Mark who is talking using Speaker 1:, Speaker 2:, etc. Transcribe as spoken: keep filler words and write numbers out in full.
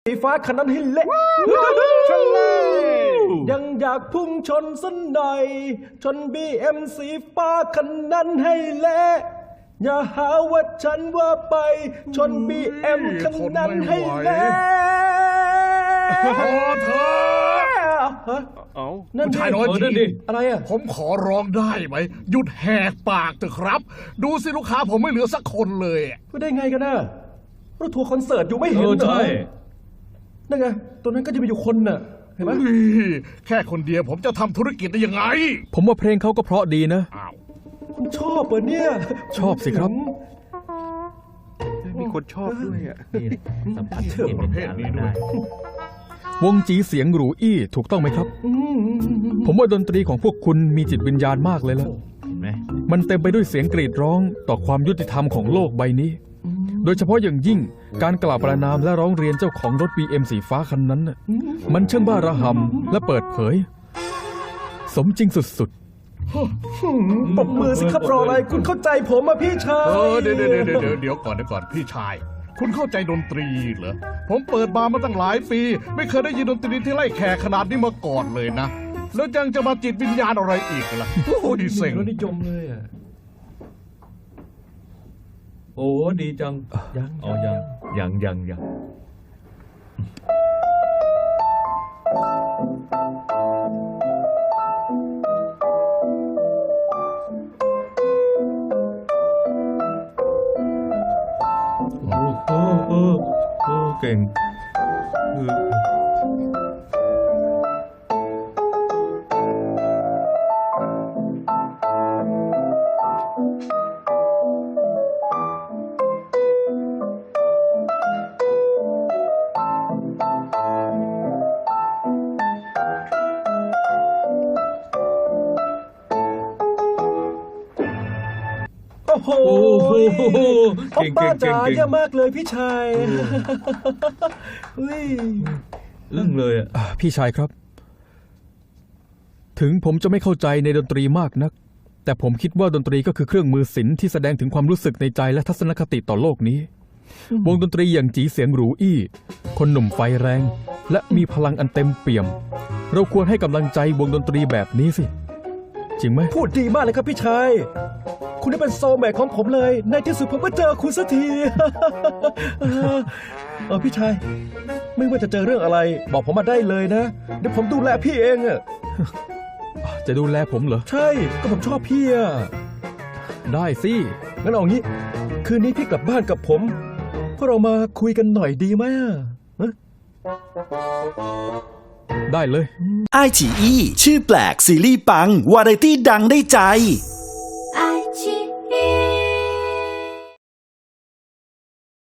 Speaker 1: สีฟ้าคันนั้นให้เละยังอยากพุ่งชนสันหน่อยชนบีเอ็มสีฟ้าคันนั้นให้เละอย่าหาว่าฉันว่าไปชนบีเอ็มคันนั้นให้เละ
Speaker 2: พอเถอะ
Speaker 3: เอา
Speaker 1: นั่น
Speaker 2: ผู้ชายน้อย
Speaker 1: นั่น
Speaker 2: จี
Speaker 1: ดิอะไรอ่ะ
Speaker 2: ผมขอร้องได้ไหมหยุดแหกปากเถอะครับ ดูสิลูกค้าผมไม่เหลือสักคนเลยอะ
Speaker 1: พูดได้ไงกันนะรถทัวร์คอนเสิร์ตอยู่ไม่เห็นเหรอนั่นไงตัวนั้นก็จะมีอยู่คนน่ะเห็นไหม
Speaker 2: อุ๊ยแค่คนเดียวผมจะทำธุรกิจได้ยังไง
Speaker 4: ผมว่าเพลงเขาก็เพราะดีนะ
Speaker 2: อ้าว
Speaker 1: คุณชอบเหรอเนี่ย
Speaker 4: ชอบสิครับ
Speaker 3: มีคนชอบด้วยอ่ะ
Speaker 5: สัมผัสเห็นเป็นอย่างนั้นได้
Speaker 4: วงจีเสียงหรูอี้ถูกต้องไหมครับ ผมว่าดนตรีของพวกคุณมีจิตวิญญาณมากเลยล่ะ
Speaker 5: เห็นไหม
Speaker 4: มันเต็มไปด้วยเสียงกรีดร้องต่อความยุติธรรมของโลกใบนี้ โดยเฉพาะอย่างยิ่งการกล่าวประณามและร้องเรียนเจ้าของรถ บี เอ็ม สีฟ้าคันนั้นน่ะมันช่างบ้าระห่ำและเปิดเผย สมจริงสุด
Speaker 1: ปรบมือสิครับรออะไรคุณเข้าใจผมอ่ะพี่ชาย
Speaker 2: เออเดี๋ยวเดี๋ยวเดี๋ยวเดี๋ยวเดี๋ยวก่อนเดี๋ยวก่อนพี่ชาย คุณเข้าใจดนตรีเหรอผมเปิดบาร์มาตั้งหลายปี ไม่เคยได้ยินดนตรีที่ไล่แขกขนาดนี้มาก่อนเลยนะ แล้วยังจะมาจิตวิญญาณอะไรอีกล่ะโอ้ยเซ็ง
Speaker 1: รสนิยมเลยอ่ะ
Speaker 5: โอ้ดีจัง
Speaker 1: ยัง
Speaker 5: อ๋อยังยังยังยังโอ้โหโอ้โอ้เก่งเออ
Speaker 1: โอ้โห
Speaker 5: โอ้โห
Speaker 1: โอ้
Speaker 5: เก่ง
Speaker 1: ป้า
Speaker 5: เก่งเก่
Speaker 1: จ๋าง
Speaker 5: เก่ง
Speaker 1: เยี่ยมมากเลยพี่ชายเฮ้ย
Speaker 5: อึ้งเลยอ่ะ
Speaker 4: ๆอ่ะพี่ชายครับ ถึงผมจะไม่เข้าใจในดนตรีมากนัก แต่ผมคิดว่าดนตรีก็คือเครื่องมือศิลป์ที่แสดงถึงความรู้สึกในใจและทัศนคติต่อโลกนี้ วงดนตรีอย่างจีเสียงหรูอี้ คนหนุ่มไฟแรง และมีพลังอันเต็มเปี่ยม เราควรให้กำลังใจวงดนตรีแบบนี้สิ จริงไหม
Speaker 1: พูดดีมากเลยครับพี่ชาย คุณได้เป็นโซลแมทของผมเลย ในที่สุดผมก็เจอคุณสักที เออเออพี่ชาย ไม่ว่าจะเจอเรื่องอะไร บอกผมมาได้เลยนะ เดี๋ยวผมดูแลพี่เองอะ
Speaker 4: จะดูแลผมเหรอ
Speaker 1: ใช่ก็ผมชอบพี่อะ
Speaker 4: ได้สิ
Speaker 1: งั้นเอางี้ คืนนี้พี่กลับบ้านกับผมพวกเรามาคุยกันหน่อยดีไหมอะฮะ
Speaker 4: ได้เลย
Speaker 6: ไอ จี อี ชื่อแปลกซีรีส์ปัง วาไรตี้ดังได้ใจ